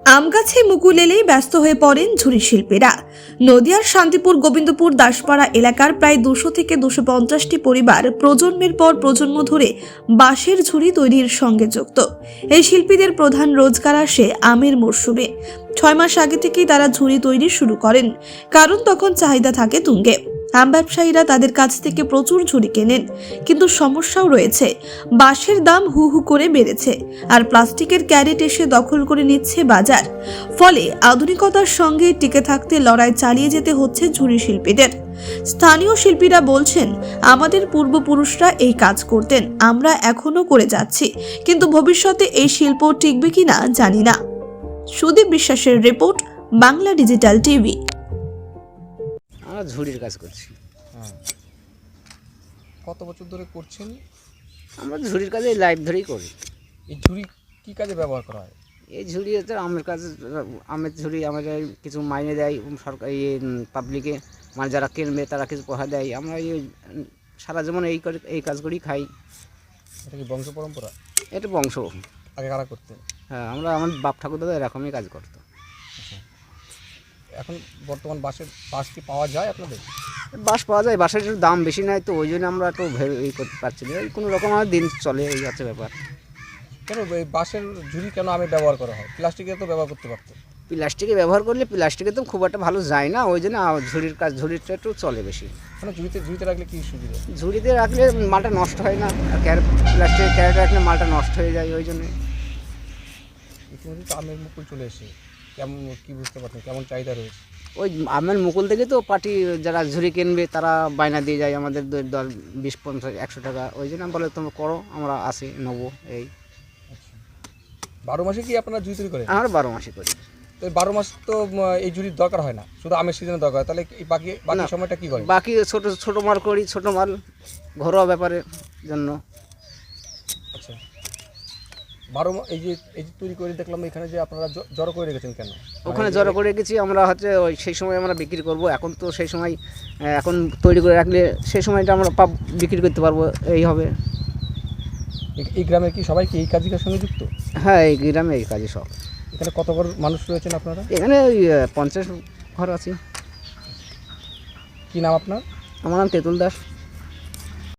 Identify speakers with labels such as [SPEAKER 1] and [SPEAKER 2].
[SPEAKER 1] আম গাছে মুকুল এলেই ব্যস্ত হয়ে পড়েন ঝুড়ি শিল্পীরা। নদিয়ার শান্তিপুর গোবিন্দপুর দাসপাড়া এলাকার প্রায় 200 থেকে 250টি পরিবার প্রজন্মের পর প্রজন্ম ধরে বাঁশের ঝুড়ি তৈরির সঙ্গে যুক্ত। এই শিল্পীদের প্রধান রোজগার আসে আমের মরশুমে। 6 মাস আগে থেকেই তারা ঝুড়ি তৈরি শুরু করেন, কারণ তখন চাহিদা থাকে তুঙ্গে। আম ব্যবসায়ীরা তাদের কাছ থেকে প্রচুর ঝুড়ি কেনেন, কিন্তু সমস্যাও রয়েছে। বাঁশের দাম হু হু করে বেড়েছে, আর প্লাস্টিকের ক্যারেট এসে দখল করে নিচ্ছে বাজার। ফলে আধুনিকতার সঙ্গে টিকে থাকতে লড়াই চালিয়ে যেতে হচ্ছে ঝুড়ি শিল্পীদের। স্থানীয় শিল্পীরা বলছেন, আমাদের পূর্বপুরুষরা এই কাজ করতেন, আমরা এখনো করে যাচ্ছি, কিন্তু ভবিষ্যতে এই শিল্প টিকবে কিনা জানি না। সুদীপ বিশ্বাসের রিপোর্ট, বাংলা ডিজিটাল টিভি।
[SPEAKER 2] আমরা ঝুড়ির কাজ করছি।
[SPEAKER 3] কত বছর ধরে করছেন?
[SPEAKER 2] আমরা ঝুড়ির কাজে লাইফ ধরেই করি।
[SPEAKER 3] এই ঝুড়ি কি কাজে ব্যবহার করা হয়?
[SPEAKER 2] এই ঝুড়ি হচ্ছে আমের কাজ। আমের ঝুড়ি আমাদের কিছু মাইনে দেয় সরকার, পাবলিকে, মানে যারা কিনবে তারা কিছু পয়সা দেয়। আমরা সারা জীবন এই কাজ করেই খাই।
[SPEAKER 3] এটা কি বংশ পরম্পরা?
[SPEAKER 2] এটা বংশ।
[SPEAKER 3] আগে কারা করতেন?
[SPEAKER 2] হ্যাঁ, আমার বাপ ঠাকুর দাদা এরকমই কাজ করতো।
[SPEAKER 3] এখন বর্তমান বাঁশ কি পাওয়া যায় আপনাদের?
[SPEAKER 2] বাঁশ পাওয়া যায়, বাঁশের একটু দাম বেশি নাই, তো ওই জন্য আমরা একটু এই করতে পারছি না। এই কোনো রকম আমার দিন চলে, এই হচ্ছে ব্যাপার।
[SPEAKER 3] কেন এই বাঁশের ঝুড়ি কেন আমি ব্যবহার করা হয়? প্লাস্টিকের তো ব্যবহার করতে পারতো।
[SPEAKER 2] প্লাস্টিকে ব্যবহার করলে প্লাস্টিকে তো খুব একটা ভালো যায় না, ওই জন্য ঝুড়িটা একটু চলে বেশি।
[SPEAKER 3] মানে ঝুড়িতে রাখলে কি সুবিধা?
[SPEAKER 2] ঝুড়িতে রাখলে মালটা নষ্ট হয় না, আর প্লাস্টিকের ক্যারেটে রাখলে মালটা নষ্ট হয়ে যায়, ওই জন্যে।
[SPEAKER 3] ইতিমধ্যে তো আমের মুকুল চলে এসে কেমন কি বুঝতে পারছেন কেমন চাহিদা রয়েছে?
[SPEAKER 2] ওই আমের মুকুল থেকে তো পার্টি যারা ঝুড়ি কিনবে তারা বায়না দিয়ে যায় আমাদের দল 20, 50, 100 টাকা। ওই জন্য বলে তোমরা করো, আমরা আসি নেবো। এই
[SPEAKER 3] 12 মাসে কি আপনারা ঝুড়ি তৈরি করেন?
[SPEAKER 2] আমরা 12 মাসে করি।
[SPEAKER 3] তো 12 মাস তো এই ঝুড়ির দরকার হয় না, শুধু আমের সিজনে দরকার হয়। তাহলে এই বাকি সময়টা কি করে?
[SPEAKER 2] বাকি ছোট মাল করি, ছোট মাল ঘরোয়া ব্যাপারের জন্য।
[SPEAKER 3] আচ্ছা, এই যে তৈরি করে দেখলাম এখানে যে আপনারা জড়ো করে রেখেছেন কেন?
[SPEAKER 2] ওখানে জড়ো করে রেখেছি আমরা, হচ্ছে ওই সেই সময় আমরা বিক্রি করব। এখন তো সেই সময়, এখন তৈরি করে রাখলে সেই সময়টা আমরা বিক্রি করতে পারবো, এই হবে।
[SPEAKER 3] এই গ্রামের কি সবাই কি এই কাজের সঙ্গে যুক্ত?
[SPEAKER 2] হ্যাঁ, এই গ্রামে এই কাজে সব।
[SPEAKER 3] এখানে কত ঘর মানুষ রয়েছেন আপনারা?
[SPEAKER 2] এখানে ওই 50 ঘর আছে।
[SPEAKER 3] কি নাম আপনার?
[SPEAKER 2] আমার নাম তেঁতুল দাস।